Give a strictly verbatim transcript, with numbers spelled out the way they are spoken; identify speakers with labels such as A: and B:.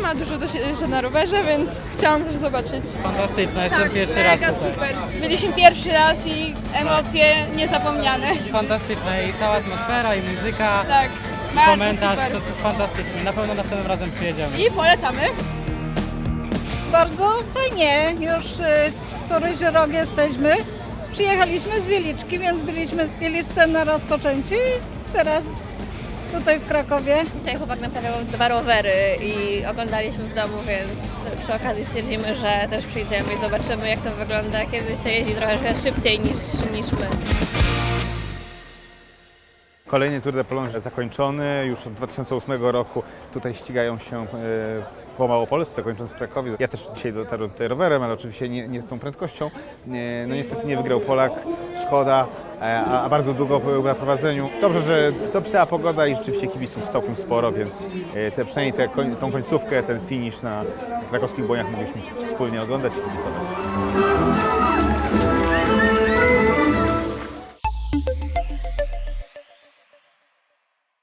A: ale dużo doświadczenia na rowerze, więc chciałam też zobaczyć.
B: Fantastyczna, jestem
A: Tak,
B: pierwszy raz
A: mega
B: tutaj.
A: super. Byliśmy pierwszy raz i emocje niezapomniane.
B: Fantastyczna i cała atmosfera, i muzyka,
A: Tak,
B: i
A: bardzo
B: komentarz,
A: super.
B: to, to fantastycznie. Na pewno następnym razem przyjedziemy.
A: I polecamy.
C: Bardzo fajnie, już y, któryś rok jesteśmy. Przyjechaliśmy z Wieliczki, więc byliśmy w Wieliczce na rozpoczęciu i teraz tutaj w Krakowie.
D: Dzisiaj chłopak naprawiał dwa rowery i oglądaliśmy w domu, więc przy okazji stwierdzimy, że też przyjdziemy i zobaczymy, jak to wygląda, kiedy się jeździ trochę szybciej niż, niż my.
E: Kolejny Tour de Pologne zakończony już od dwa tysiące ósmego roku. Tutaj ścigają się e, po Małopolsce, kończąc w Krakowie. Ja też dzisiaj dotarłem tutaj rowerem, ale oczywiście nie, nie z tą prędkością. E, no niestety nie wygrał Polak, szkoda, e, a, a bardzo długo był na prowadzeniu. Dobrze, że dopisała pogoda i rzeczywiście kibiców całkiem sporo, więc e, te, przynajmniej te, tą końcówkę, ten finisz na krakowskich błoniach mogliśmy wspólnie oglądać i kibicować.